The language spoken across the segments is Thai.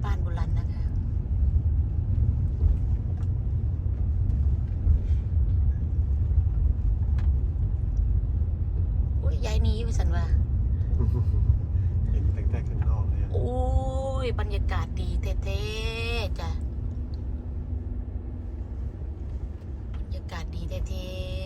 บ้านบุรันนะคะโอ้ยยายนี้ไปสันว่าเห็นแต่ข้างนอกเลยโอ้ยบรรยากาศดีเท่ๆจ้ะบรรยากาศดีเท่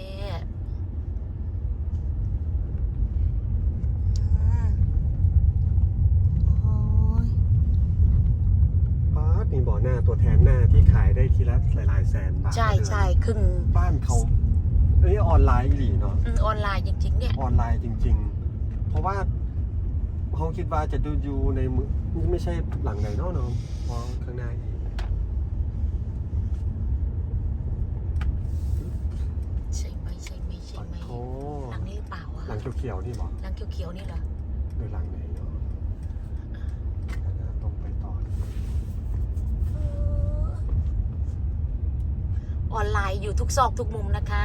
มีบ่อหน้าตัวแทนหน้าที่ขายได้ทีละหลายแสนบาทใช่ครึ่งบ้านเขาอันนี้ออนไลน์หลีเนาะออนไลน์จริงๆเนี่ยออนไลน์จริงๆเพราะว่าเขาคิดว่าจะดูอยู่ในมือไม่ใช่หลังไหนเนาะเพราะข้างหน้าอีกใช่ไหมโอ้หลังนี้หรือเปล่าอะหลังเขียวๆนี่บอกหลังเขียวๆนี่เหรอหรือหลังไหนเนาะตรงไปต่อออนไลน์อยู่ทุกซอกทุกมุมนะคะ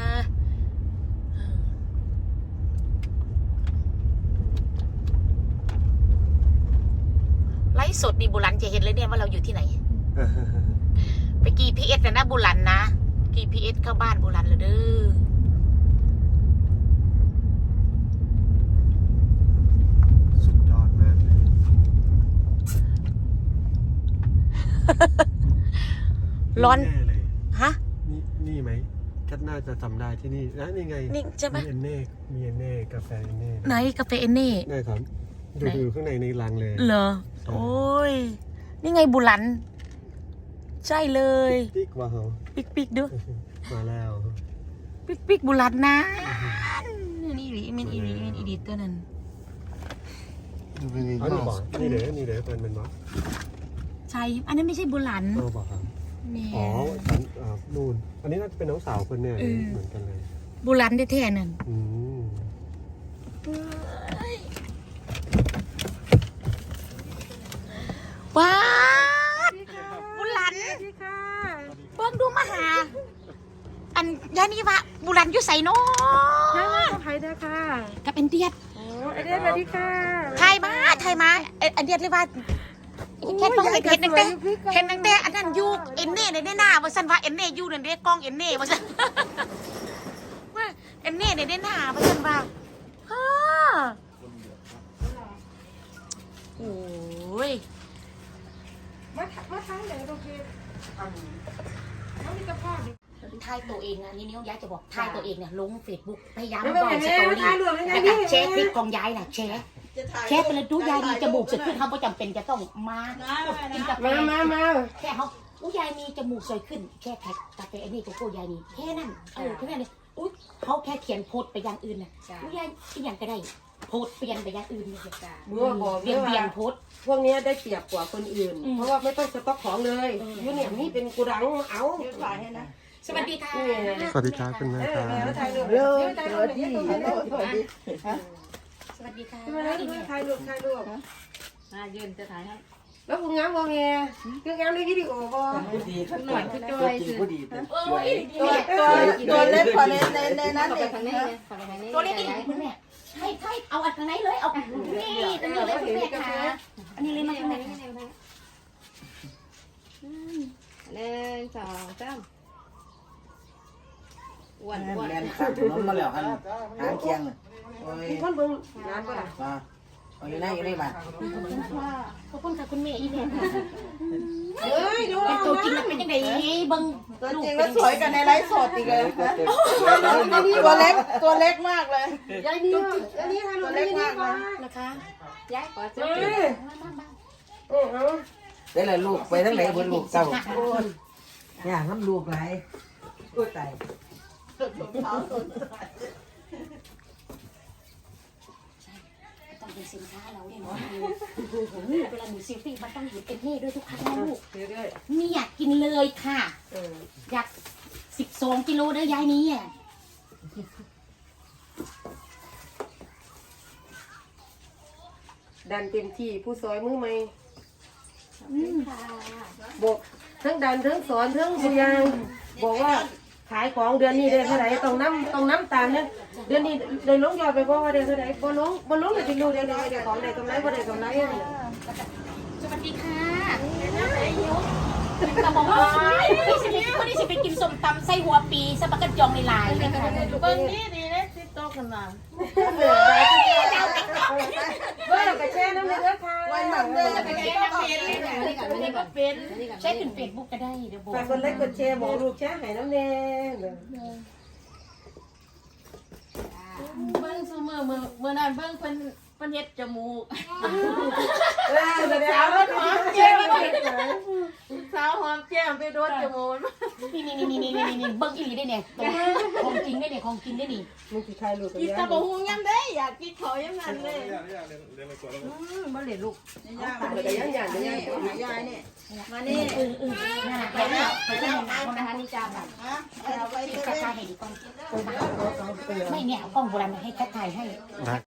ไลฟ์สดนี่บุรันจะเห็นเลยเนี่ยว่าเราอยู่ที่ไหน ไปGPS นะบุรันนะ GPS เข้าบ้านบุรันเลยเด้อสุดยอดมากเลยร้อนฮะนี่ไหมก็น่าจะจำได้ที่นี่นะนี่ไงนี่ใช่ไหมมีเอนเน่กาแฟเอนเน่ไหนกาแฟเอนเน่ได้ครับดูข้างในลังเลยเหรอโอ้ยนี่ไงบุรันใช่เลยปิ๊กว่าเหรอปิ๊กด้วยมาแล้วปิ๊กบุรันนะนี่มินอีดิตัวนั้นนี่เดี๋ยวเป็นบอสใช่อันนั้นไม่ใช่บุรันบอกครับอ๋อนู่นอันนี้น่าจะเป็นน้องสาวคนเนี่ยเหมือนกันเลยบุรันแท้ๆนั่นว้าบุรันเบิ้งดูมาหาอันยานี่วะบุรันอยู่ใส่น้องไทยได้ค่ะกับเอ็นเดียดโอ้เอ็นเดียดสวัสดีค่ะไทยมาเอ็นเดียดเลยว่าแค่ต้องเห็นตั้งแต่อันนั้นยูเอ็นเน่ในหน้าว่าสันว่าเอ็นเน่ยูเนี่ยกล้องเอ็นเน่ว่าสันว่าเอ็นเน่ในหน้าว่าสันว่าฮ่าโอ้ยมาท้ายเลยโอเคนี่ก็พอดีถ่ายตัวเองนะนี่ย้ายจะบอกถ่ายตัวเองเนี่ยลงเฟซบุ๊กพยายามบอกสตอรี่แล้วก็แชร์คลิปของยายน่ะแชร์ไปเลยดูยายมีจมูกสวยขึ้นเขาไม่จำเป็นจะต้องมากินกาแฟแค่เขายายมีจมูกสวยขึ้นแค่กาแฟนี่ก็โก้ยายนี่แค่นั้นแค่นั้นเลยเขาแค่เขียนโพสไปอย่างอื่นน่ะยายเป็นอย่างก็ได้โพสเปลี่ยนไปอย่างอื่นเลยจ้ะเปลี่ยนโพสพวกนี้ได้เปรียบกว่าคนอื่นเพราะว่าไม่ต้องสต็อกของเลยยูเนี่ยนี่เป็นกูดังเอาสวัสดีค่ะสวัสดีครับคุณแม่ครับสวัสดีค่ะถ่ายรูปมายืนจะถ่ายให้แล้วคุณงามบ่แม่คืองามในวิดีโอบ่ดีขึ้นหน่อยคือจอยคือตัวเล็กกว่าในนั้นเด็กตัวเล็กนี่คุณแม่ใช่เอาอันไหนเลยเอานี่ตรงนี้เลยคุณแม่ค่ะอันนี้เลยมาตรงไหน 1 2 3อ้วนแลนขาดถนนมาแล้วหันหางเคียงมีคนเบิ่งงานบ่ล่ะมาอยู่ในบ้านขอบคุณค่ะคุณแม่อีแม่ค่ะดูตัวจริงมันเป็นยังไงเบิ่งตัวจริงแล้วสวยกันในไลฟ์สดอีกเลยตัวเล็กมากเลยยายนี่ตัวเล็กมากนะคะยายขอซื้อได้เลยลูกไปทั้งไหนบนลูกเจ้าอย่าน้ำลูกไหลก็ตายต้องเป็นสินค้าเราเนี่ยเนาะเวลาหนูซิลฟี่มันต้องหยิบเอ็นเน่ด้วยทุกครั้งนะลูกนี่อยากกินเลยค่ะอยาก12 กิโลได้ยายนี้อ่ะดันเต็มที่ผู้ซอยมือไหมบอกทั้งดันทั้งสอนทั้งพยางบอกว่าขายของเดือนนี้ได้เท่าไหร่ต้องน้ำตาลเนี่ยเดือนนี้ได้ลงยอดไปบอกว่าได้เท่าไหร่บ่ลงเลยจะดูได้ของได้กำไรบ่ได้กำไรสวัสดีค่ะแต่บอกว่าไม่ได้สิไปกินส้มตำไส้หัวปีสปักกระจองในลายนะคะเบิ้งนี่ดีเลยติ๊กต๊อกกันมาเบิ้งกระแช่น้ำเลือดค่ะวันนั้นเดินไปแก้น้ำเป็นอันนี้ก็เป็นใช้ขึ้นเฟซบุ๊กก็ได้เดี๋ยวบอกฝากกดไลค์กดแชร์บอกลูกแชร์ให้น้ำแน่เบิ้งซูมือนั้นเบิ้งเพิ่นเฮ็ดจมูกสาวรถหอมแก้มสาวหอมแก้มไปโดนจมูกนี่เบิ้งอีหลีได้เนี่ยของจริงได้เนี่ยของจริงได้นี่มึงสิใครลูกกินตะบะฮุงยังได้อยากกินเขายังนั้นเลยบ่เหลือลูกแต่ยังอย่างนี้ยายนี่มานี่นั่นแหละแล้วไปเล่นน้ำนะคะนี่จ้าแบบกระชายให้ดีกล้องไม่เนี่ยกล้องโบราณให้แค่ถ่ายให้ได้